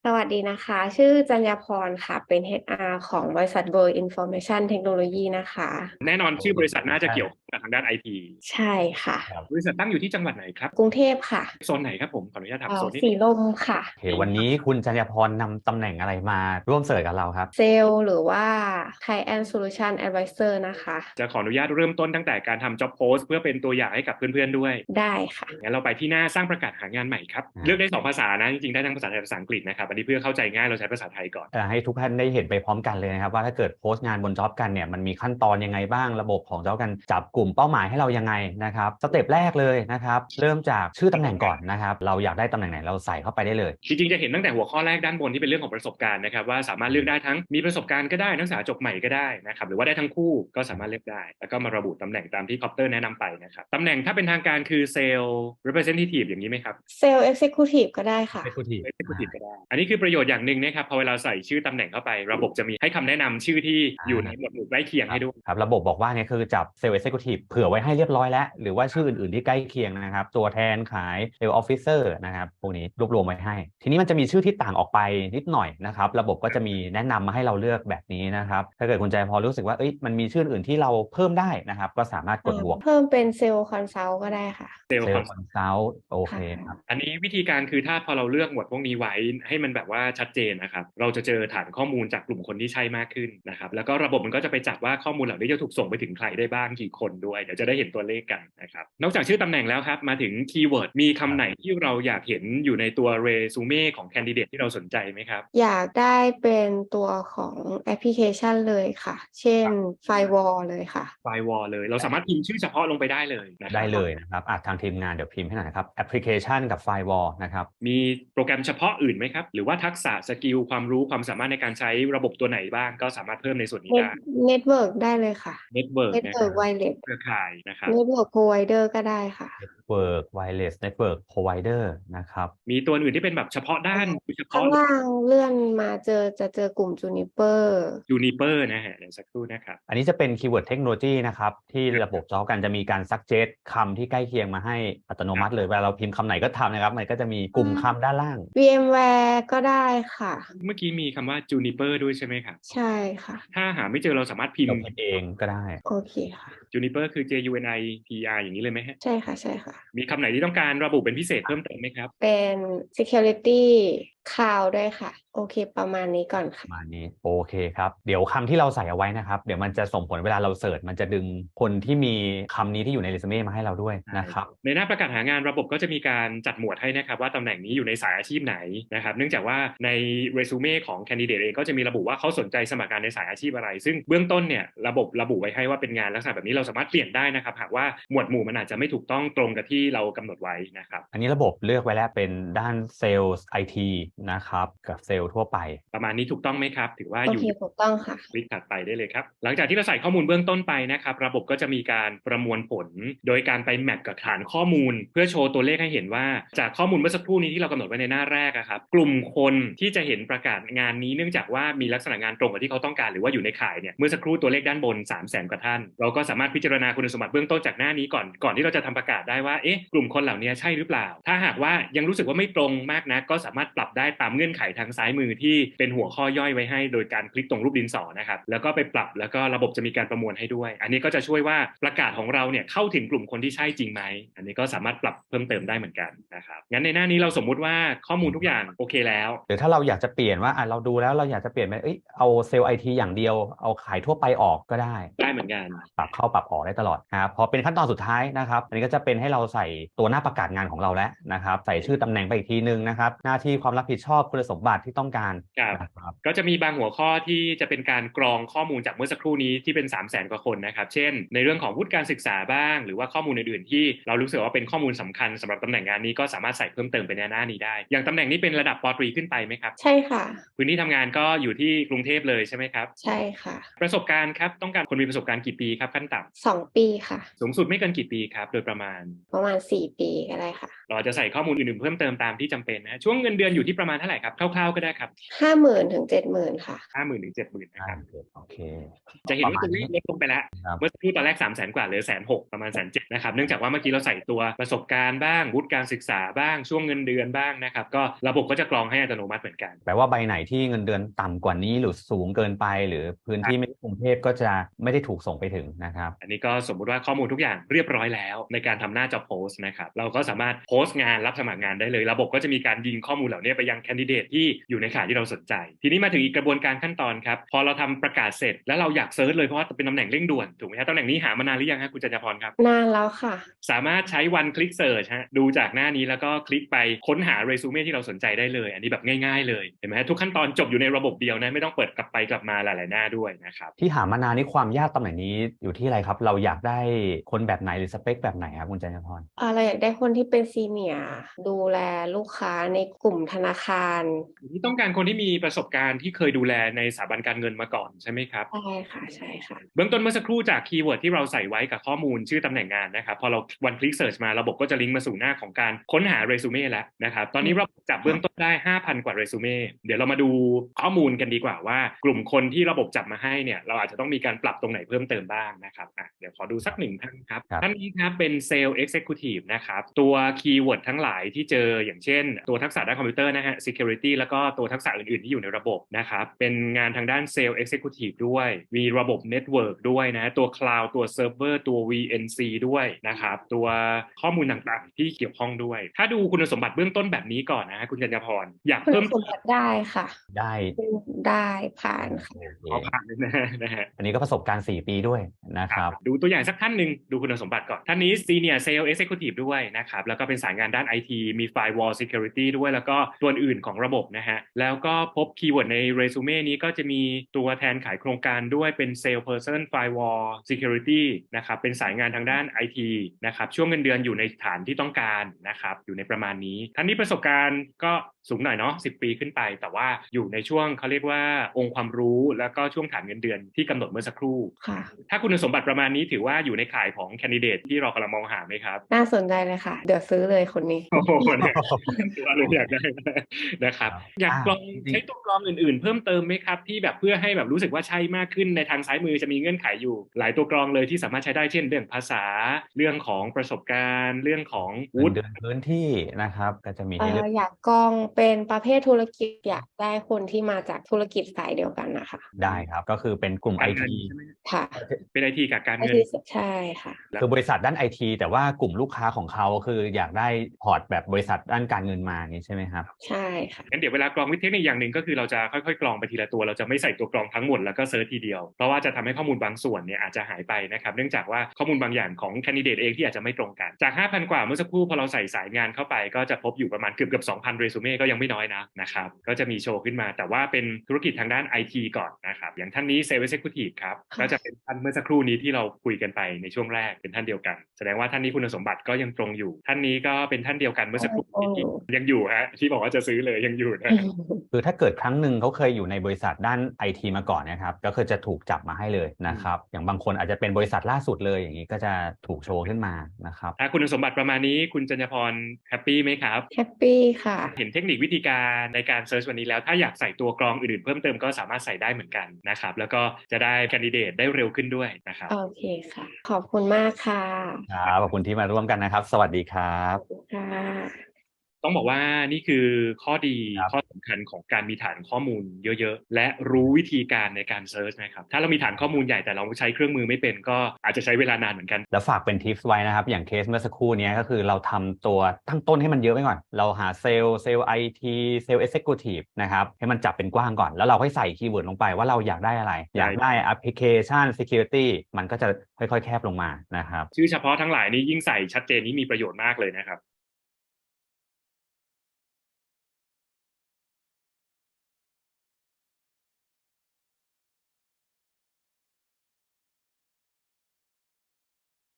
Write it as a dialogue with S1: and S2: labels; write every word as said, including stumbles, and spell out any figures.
S1: สวัสดีนะคะ ชื่อจัญญาพรค่ะ เป็น เอช อาร์ ของบริษัท World Information Technology นะคะ
S2: แน่นอนชื่อบริษัทน่าจะ
S3: ใช่
S2: เกี่ยวกับทางด้านไอที
S1: ใช่ค่ะ
S3: ครับ
S2: บริษัทตั้งอยู่ที่จังหวัดไหนครับ?
S1: กรุงเทพค่ะ
S2: โซนไหนครับผม ขออนุญาตถา
S1: เอ
S2: ม่โซ
S1: อ ส
S2: นนิดหนีึ่ง
S1: ลมค่ะ
S3: โอเค วันนี้คุณจัญญาพรนำตำแหน่งอะไรมาร่วมเสิร์ชกับเราครับ?
S1: เซลส์หรือว่า Client Solution Advisor นะคะ
S2: จะขออนุญาตเริ่มต้นตั้งแต่การทำ Job Post เพื่อเป็นตัวอย่างให้กับเพื่อน ๆ ด้วย
S1: ได้ค่ะ
S2: งั้นเราไปที่หน้าสร้างประกาศหางานใหม่ครับ
S3: อา
S2: เลือกได้ สอง ภาษานะ จริง ๆ ได้ทั้งภาษาไทย ภาษาอังกฤษนะครับ อันนี้เพื่อเข้าใจง่ายเราใช้ภาษาไทยก่อน
S3: เอ่อ ให้ทุกท่านได้เห็นไปพร้อมกันเลยนะครับว่า ถ้าเกิดโพสต์งานบนจ็อบกันเนี่ย มันมีขั้นตอนยังไงบ้าง ระบบของจ็อบกันจับกลุ่มเป้าหมายให้เรายังไงนะครับ สเต็ปแรกเลยนะครับ เริ่มจากชื่อตำแหน่งก่อนนะครับ เราอยากได้ตำแหน่งไหนเราใส่เข้าไปได้เลย
S2: จริง ๆ จะเห็นตั้งแต่หัวข้อแรกด้านบนที่เป็นเรื่องของประสบการณ์นะครับว่า สามารถเลือกได้ทั้งมีประสบการณ์ก็ได้ นักศึกษาจบใหม่ก็ได้นะครับ หรือว่าได้ทั้งคู่ก็สามารถเลือกได้ แล้วก็มาระบุตำแหน่งตามที่คอปเตอร์แนะนำไปนะครับ ตำแหน่งถ้าเป็นทางการคือ Sales Representative อย่างงี้ไหมครับ?
S1: Sales Executive ก็ได้ค่ะ
S3: Executive อา
S2: Executive ก็ได้ อันนี้คือประโยชน์อย่างหนึ่งนะครับ พอเวลาใส่ชื่อตำแหน่งเข้าไป ระบบจะมีให้คำแนะนำชื่อที่
S3: อา
S2: อยู่ในหมวดหมู่ใกล้เคียง
S3: ค
S2: ใ
S3: ร
S2: ห้
S3: ับ
S2: ด้วย
S3: ครับ ระบบบอกว่าเนี่ยคือจับ Sales Executive เผื่อไว้ให้เรียบร้อยแล้ว หรือว่าชื่ออื่น ๆ ที่ใกล้เคียงนะครับ ตัวแทนขาย Sales Officer นะครับ พวกนี้รวบรวมไว้ให้ ทีนี้มันจะมีชื่อที่ต่างออกไปนิดหน่อยนะครับ ระบบก็จะมีแนะนำมาให้เราเลือกแบบนี้นะครับ ถ้าเกิดคุณจัญญาพรรู้สึกว่า เฮ้ย มันมีชื่ออื่นที่เราเพิ่มได้นะครับ ก็สามารถกดบวก
S1: เพิ่มเป็น Sales Consult ก็ได้ค่ะ
S2: Sales
S3: Sales
S2: Consult
S3: Consult โอ
S1: ค
S3: เค่ครับ
S1: ะ
S2: อันนี้วิธีการคือถ้าพอเราเลือกหมวดพวกนี้ไว้ให้มันแบบว่าชัดเจนนะครับ เราจะเจอฐานข้อมูลจากกลุ่มคนที่ใช่มากขึ้นนะครับ แล้วก็ระบบมันก็จะไปจับว่าข้อมูลเหล่านี้จะถูกส่งไปถึงใครได้บ้าง กี่คนด้วย เดี๋ยวจะได้เห็นตัวเลขกันนะครับ นอกจากชื่อตำแหน่งแล้วครับ มาถึงคีย์เวิร์ด มีคำไหนที่เราอยากเห็นอยู่ในตัว เรซูเม ของแคนดิเดตที่เราสนใจไหมครับ?
S1: อยากได้เป็นตัวของแอปพลิเคชันเลยค่ะ เช่น
S2: ครับ
S1: Firewall เลยค่ะ
S2: Firewall เลย เราสามารถพิมพ์ชื่อเฉพาะลงไปได้เลยนะค
S3: ไ
S2: ร
S3: ด้
S2: ับ
S3: เลยนะครับ อ่า ทางทีมงานเดี๋ยวพิมพ์ให้หน่อยนะครับ แอปพลิเคชันกับ Firewall นะครับ
S2: มีโปรแกรมเฉพาะอื่นไหมครับ? หรือว่าทักษะ สกิล ความรู้ ความสามารถในการใช้ระบบตัวไหนบ้าง ก็สามารถเพิ่มในส่วนนี้
S1: เน็
S2: ไ
S1: ต
S2: ด้
S1: Network ได้เลยค่ะ
S2: Network นะครั
S1: Network
S2: บ
S1: Wireless
S2: เครือข่ายนะครับ
S1: Network Provider ก็ได้ค่ะ
S3: Network Wireless Network Provider นะครับ
S2: มีตัวอื่นที่เป็นแบบเฉพาะด้าน โดยเฉพ
S1: ข้า
S2: าะ
S1: งล่างเลื่อนมาเจอ จะเจอกลุ่ม Juniper
S2: Juniper นะครับ เดี๋ยวสักครู่นะครับ
S3: อันนี้จะเป็นคีย์เวิร์ดเทคโนโลยีนะครับ ที่ระบบจ็อบกันจะมีการ suggest คำที่ใกล้เคียงมาให้อัตโนมัติเลย เวลาเราพิมพ์คำไหนก็ตามนะครับ มันก็จะมีกลุ่มคำด้านล่าง
S1: VMware ก็ได้ค่ะ
S2: เมื่อกี้มีคำว่า Juniper ด้วยใช่ไหมครับ?
S1: ใช่ค่ะ
S2: ถ้าหาไม่เจอเราสามารถพิม
S3: เรา
S2: พ์
S3: พิมพ์เองก็ได้
S1: โอเคค่ะ
S2: Juniper คือ J U N I P E R อย่างงี้เลยไหมครับ?
S1: ใช่ค่ะ ๆ
S2: มีคำไหนที่ต้องการระบุเป็นพิเศษเพิ่มเติมไหมครับ?
S1: เป็น Security Cloud ด้วยค่ะ โอเค ประมาณนี้ก่อนค่
S3: ป
S1: ะ
S3: ระมาณนี้ โอเคครับ เดี๋ยวคำที่เราใส่เอาไว้นะครับ เดี๋ยวมันจะส่งผลเวลาเราเซิร์ช มันจะดึงคนที่มีคำนี้ที่อยู่ใน เรซูเม มาให้เราด้วยนะครับ
S2: ในหน้าประกาศหางานระบบก็จะมีการจัดหมวดให้นะครับว่าตำแหน่งนี้อยู่ในสายอาชีพไหนนะครับ เนื่องจากว่าใน เรซูเม ของแคนดิเดตเองก็จะมีระบุว่าเขาสนใจสมัครงานในสายอาชีพอะไร ซึ่งเบื้องต้นเนี่ยระบบระบุไว้ให้ว่าเป็นงานลักษณะแบบนี้ เราสามารถเปลี่ยนได้นะครับ หากว่าหมวดหมู่มันอาจจะไม่ถูกต้องตรงกับที่เรากำหนดไว้นะครับ
S3: อันนี้ระบบเลือกไว้แล้วเป็นด้านเซลส์ไอทีนะครับ กับเซลส์ทั่วไป
S2: ประมาณนี้ถูกต้องไหมครับ? ถือว่าอยู่
S1: โอเค ถูกต้องค่ะ
S2: คลิกถัดไปได้เลยครับ หลังจากที่เราใส่ข้อมูลเบื้องต้นไปนะครับ ระบบก็จะมีการประมวลผล โดยการไปแมปกับฐานข้อมูล เพื่อโชว์ตัวเลขให้เห็นว่า จากข้อมูลเมื่อสักครู่นี้ที่เรากำหนดไว้ในหน้าแรกอะครับ กลุ่มคนที่จะเห็นประกาศงานนี้ เนื่องจากว่ามีลักษณะงานตรงกับที่เขาต้องการ หรือว่าอยู่ในข่ายเนี่ย เมื่อสักครู่ตัวเลขด้านบน สามแสน กว่าท่าน เราก็สามารถพิจารณาคุณสมบัติเบื้องต้นจากหน้านี้ก่อน ก่อนที่เราจะทำประกาศได้ว่า เอ๊ะ กลุ่มคนเหล่านี้ใช่หรือเปล่า? ถ้าหากว่ายังรู้สึกว่าไม่ตรงมากนัก ก็สามารถปรับได้ตามเงื่อนไขทางซ้ายมือที่เป็นหัวข้อย่อยไว้ให้ โดยการคลิกตรงรูปดินสอนะครับ แล้วก็ไปปรับ แล้วก็ระบบจะมีการประมวลให้ด้วย อันนี้ก็จะช่วยว่าประกาศของเราเนี่ยเข้าถึงกลุ่มคนที่ใช่จริงไหม? อันนี้ก็สามารถปรับเพิ่มเติมได้เหมือนกันนะครับ งั้นในหน้านี้เราสมมุติว่าข้อมูลทุกอย่างโอเคแล้ว
S3: หรือถ้าเราอยากจะเปลี่ยนว่า อ่า เราดูแล้วเราอยากจะเปลี่ยนเป็น เฮ้ย เอาเซลส์ไอทีอย่างเดียว เอาขายทั่วไปออกก็ได้
S2: ได้เหมือนกัน
S3: ปรับเข้าปรับออกได้ตลอดนะครับ พอเป็นขั้นตอนสุดท้ายนะครับ อันนี้ก็จะเป็นให้เราใส่ตัวหน้าประกาศงานของเราแล้วนะครับ ใส่ชื่อตำแหน่งไปอีกทีหนึ่งนะครับ หน้าที่ความรับผิดชอบคุณสมบัติที่ต้องการ
S2: ครับ
S3: นะครับ
S2: ก็จะมีบางหัวข้อที่จะเป็นการกรองข้อมูลจากเมื่อสักครู่นี้ที่เป็น สามแสน กว่าคนนะครับ เช่น ในเรื่องของวุฒิการศึกษาบ้าง หรือว่าข้อมูลอื่น ๆ ที่เรารู้สึกว่าเป็นข้อมูลสำคัญสำหรับตำแหน่งงานนี้ ก็สามารถใส่เพิ่มเติมไปในหน้านี้ได้ อย่างตำแหน่งนี้เป็นระดับ ป.ตรี ขึ้นไปไหมครับ?
S1: ใช่ค่ะ
S2: พื้นที่ทำงานก็อยู่ที่กรุงเทพเลยใช่ไหมครับ?
S1: ใช่ค่ะ
S2: ประสบการณ์ครับ ต้องการคนมีประสบการณ์กี่ปีครับขั้นต่ำ?
S1: สอง ปีค่ะ
S2: สูงสุดไม่เกินกี่ปีครับโดยประมาณ?
S1: ประมาณ สี่ ปีก็ได้ค่ะ
S2: เราอาจจะใส่ข้อมูลอื่นๆเพิ่มเติมตามที่จำเป็นนะช่วงเงินเดือนอยู่ที่ประมาณเท่าไหร่ครับคร่าวๆก็ได้ครับ
S1: ห้าหมื่นถึงเจ็ดหมื่นค่ะ
S2: ห้าหมื่นถึงเจ็ดหมื่นนะ
S3: อ่า
S2: ครับ
S3: โอเค
S2: จะเห็น
S3: ประ
S2: ว่า
S3: มาณ
S2: ตัวเล
S3: นี้
S2: ขลดลงไปแล้ว
S3: ครับ
S2: เมื่อสักครู่ตอนแรกสามแสนกว่าเหลือแสนหกประมาณแสนเจ็ดนะครับเนื่องจากว่าเมื่อกี้เราใส่ตัวประสบการณ์บ้างวุฒิการศึกษาบ้างช่วงเงินเดือนบ้างนะครับก็ระบบก็จะกรองให้อัตโนมัติเหมือนกัน
S3: แปลว่าใบไหนที่เงินเดือนต่ำกว่านี้หรือสูงเกินไป หรือพื้นที่ไม่ใช่กรุงเทพก็จะไม่ได้ถูกส่งไปถึงนะครับ
S2: อันนี้ก็สมมุติว่าข้อมูลทุกอย่างเรียบร้อยแล้วในการทำหน้า job post นะครับเราก็สามารถโพสต์งานรับสมัครงานได้เลยระบบก็จะมีการยิงข้อมูลเหล่านี้ไปยังแคนดิเดตที่อยู่ในข่ายที่เราสนใจทีนี้มาถึงอีกกระบวนการขั้นตอนครับพอเราทำประกาศเสร็จแล้วเราอยากเซิร์ชเลยเพราะว่าเป็นตำแหน่งเร่งด่วนถูกไหมครับตำแหน่งนี้หามานานหรือยังครับคุณจันทพรครับ
S1: นานแล้วค่ะ
S2: สามารถใช้ one click search ฮะดูจากหน้านี้แล้วก็คลิกไปค้นหาเรซูเม่ที่เราสนใจได้เลยอันนี้แบบง่ายๆเลยเห็นไหมทุกขั้นตอนจบอยู่ในระบบเดียวนะไม่ต้องเปิดกลับไปกลับมาหลายๆหน้าด้วยนะครับ
S3: ที่หามานานนี่ความยากตำแหน่งนี้อยู่ที่อะไรครับ เราอยากได้คนแบบไหนหรือสเปคแบบไหนครับคุณจันทพร
S1: เอ่อเราอยากได้คนที่เป็นซีเนียร์ดูแลลูกค้าในกลุ่มธนาคาร
S2: ที่ต้องการคนที่มีประสบการณ์ที่เคยดูแลในสถาบันการเงินมาก่อนใช่ไหมครับ
S1: ใช่ค่ะใช่ค่ะ
S2: เบื้องต้นเมื่อสักครู่จากคีย์เวิร์ดที่เราใส่ไว้กับข้อมูลชื่อตำแหน่งงานนะครับพอเรา one click search มาระบบก็จะลิงก์มาสู่หน้าของการค้นหาเรซูเม่แล้วนะครับตอนนี้เราจับเบื้องต้นได้ ห้าพัน กว่าเรซูเม่เดี๋ยวเรามาดูข้อมูลกันดีกว่าว่ากลุ่มคนที่ระบบจับมาให้เนี่ยเราอาจจะต้องมีการปรับตรงไหนเพิ่มเติมบ้างนะครับอ่ะเดี๋ยวขอดูสักหนึ่งท่านครับ
S3: ครับ
S2: ท่านนี้ครับเป็นเซลล์ Executive นะครับตัวคีย์เวิร์ดทั้งหลายที่เจออย่างเช่น ตัวทักษะด้านคอมพิวเตอร์นะฮะ security แล้วก็ตัวทักษะอื่นๆที่อยู่ในระบบนะครับเป็นงานทางด้านเซลล์ Executive ด้วยมีระบบ Network ด้วยนะตัว Cloud ตัว Server ตัว วี เอ็น ซี ด้วยนะครับตัวข้อมูลต่างๆที่เกี่ยวข้องด้วย ถ้าดูคุณสมบัติเบื้องต้นแบบนี้ก่อนนะฮะคุณกัญญาพรอยาก
S1: คุณ
S2: เพิ่ม
S1: สมบัติได้ค่ะ
S3: ได้
S1: ได้ผ่านค่ะ
S3: โอเค
S2: ขอผ่านเลยนะนะฮะ
S3: อันนี้ก็ประสบการณ์สี่ปีด้วยนะครับ
S2: ดูตัวอย่างสักท่านหนึ่งดูคุณสมบัติก่อนท่านนี้ Senior Sales Executive ด้วยนะครับแล้วก็เป็นสายงานด้าน ไอ ที มี Firewall Security ด้วยแล้วก็ตัวอื่นของระบบนะฮะแล้วก็พบคีย์เวิร์ดในเรซูเม่นี้ก็จะมีตัวแทนขายโครงการด้วยเป็น Sales Person Firewall Security นะครับเป็นสายงานทางด้าน ไอ ที นะครับช่วงเงินเดือนอยู่ในฐานที่ต้องการนะครับอยู่ในประมาณนี้ท่านนี้ประสบการณ์ก็สูงหน่อยเนาะสิบปีขึ้นไปแต่ว่าอยู่ในช่วงเขาเรียกว่าองค์ความรู้แล้วก็ช่วงฐานเงินเดือนที่กำหนดเมื่อสักครู่
S1: ค่ะ
S2: ถ้าคุณสมบัติประมาณนี้ถือว่าอยู่ในข่ายของแคนดิเดตที่เรากำลังมองหาไหมครับ
S1: น่าสนใจเลยค่ะ เดี๋ยวซื้อเลยคนนี้
S2: โอ้โหเนี่ยถือว่าเลยอยากได้นะครับอยากกรอง
S3: จริงๆ
S2: ใช้ตัวกรองอื่นๆ เพิ่มเติมไหมครับที่แบบเพื่อให้แบบรู้สึกว่าใช่มากขึ้นในทางซ้ายมือจะมีเงื่อนไขอยู่ หลายตัวกรองเลยที่สามารถใช้ได้เช่นเรื่องภาษาเรื่องของประสบการณ์เรื่องของ
S3: เงิ
S2: วุ
S3: น
S2: ฒิ
S3: เดือนพื้นที่นะครับก็จะมี
S1: เอ่
S3: ให้เลื
S1: อ
S3: อก
S1: อยากกองเป็นประเภทธุรกิจอยากได้คนที่มาจากธุรกิจสายเดียวกันนะคะ
S3: ได้ครับก็คือเป็นกลุ่ม
S2: กา
S3: ไอ
S2: รเงิน
S3: ที
S2: ใช่ไหม
S1: ค่ะ
S2: เป็นไอทีกับการ
S1: ไอ
S2: เงิน
S1: ทีใช่ค่ะ
S3: คือบริษัทด้านไอทีแต่ว่ากลุ่มลูกค้าของเขาคืออยากได้พอร์ตแบบบริษัทด้านการเงินมาอย่างนี้ใช่ไหมครับ
S1: ใช่ค่ะ
S2: งั้นเดี๋ยวเวลากรองวิธีเทคนิคอย่างหนึ่งก็คือเราจะค่อยๆกรองไปทีละตัวเราจะไม่ใส่ตัวกรองทั้งหมดแล้วก็เซิร์ชทีเดียวเพราะว่าจะทำให้ข้อมูลบางส่วนเนี่ยอาจจะหายไปนะครับเนื่องจากว่าข้อมูลบางอย่างของแคนดิเดตเองที่อาจจะไม่ตรงกันจาก ห้าพัน กว่าเมื่อสักครู่พอเราใส่สายงานเข้าไปก็จะพบอยู่ประมาณเกือบเกือบ สองพัน เรซูเม่ก็ยังไม่น้อยนะนะครับก็จะมีโชว์ขึ้นมาแต่ว่าเป็นธุรกิจทางด้าน ไอ ที ก่อนนะครับอย่างท่านนี้ Sales Executive ครับ
S1: ค่ะ
S2: ก็จะเป็นท่านเมื่อสักครู่นี้ที่เราคุยกันไปในช่วงแรกเป็นท่านเดียวกันแสดงว่าท่านนี้คุณสมบัติก็ยังตรงอยู่ ท่านนี้ก็เป็นท่านเดียวกันเมื่อสักครู่นี้ยังอยู่ฮะที่บอกว่าจะซื้อเลยยังอยู่นะ
S3: คือถ้าเกิดครั้งหนึ่งเขาเคยอยู่ในบริษัทด้านไอทีมาก่อนนะครับก็คือจะถูกจับมาให้เลยนะครับอย่างบางคนอาจจะเป็นบริษัทล่าสุดเลยอย่างนี้ก็จะถูกโชว์ขึ้นมานะครับ
S2: ถ้าคุณสมบัติประมาณนี้คุณจัญญพรแฮปปี้ไหมครับ
S1: แฮปปี้ค่ะ
S2: เห็นเทคนิควิธีการในการเซิร์ชวันนี้แล้วถ้าอยากใส่ตัวกรองอื่นๆเพิ่มเติมก็สามารถใส่ได้เหมือนกันนะครับแล้วก็จะได้แคนดิเดตได้เร็วขึ้นด้วยนะครับ
S1: โอเคค่ะ ขอบคุณมากค่ะ
S3: ครับขอบคุณที่มาร่วมกันนะครับ สวัสดีครับ
S1: ขอบคุณค่ะ
S2: ต้องบอกว่านี่คือข้อดี
S3: ครับ
S2: ข้อสำคัญของการมีฐานข้อมูลเยอะๆและรู้วิธีการในการเซิร์ชนะครับถ้าเรามีฐานข้อมูลใหญ่แต่เราใช้เครื่องมือไม่เป็นก็อาจจะใช้เวลานานเหมือนกัน
S3: แล้วฝากเป็นทิปส์ไว้นะครับ อย่างเคสเมื่อสักครู่นี้ก็คือเราทำตัวตั้งต้นให้มันเยอะไว้ก่อน เราหาเซลล์เซลล์ไอทีเซลล์เอ็กเซคิวทีฟนะครับให้มันจับเป็นกว้างก่อน แล้วเราค่อยใส่คีย์เวิร์ดลงไปว่าเราอยากได้อะไร อยากได้แอปพลิเคชัน Security มันก็จะค่อยๆแคบลงมานะครับ
S2: ชื่อเฉพาะทั้งหลายนี้ยิ่งใส่ชัดเจนนี้มีประโยชน์มากเลยนะครับ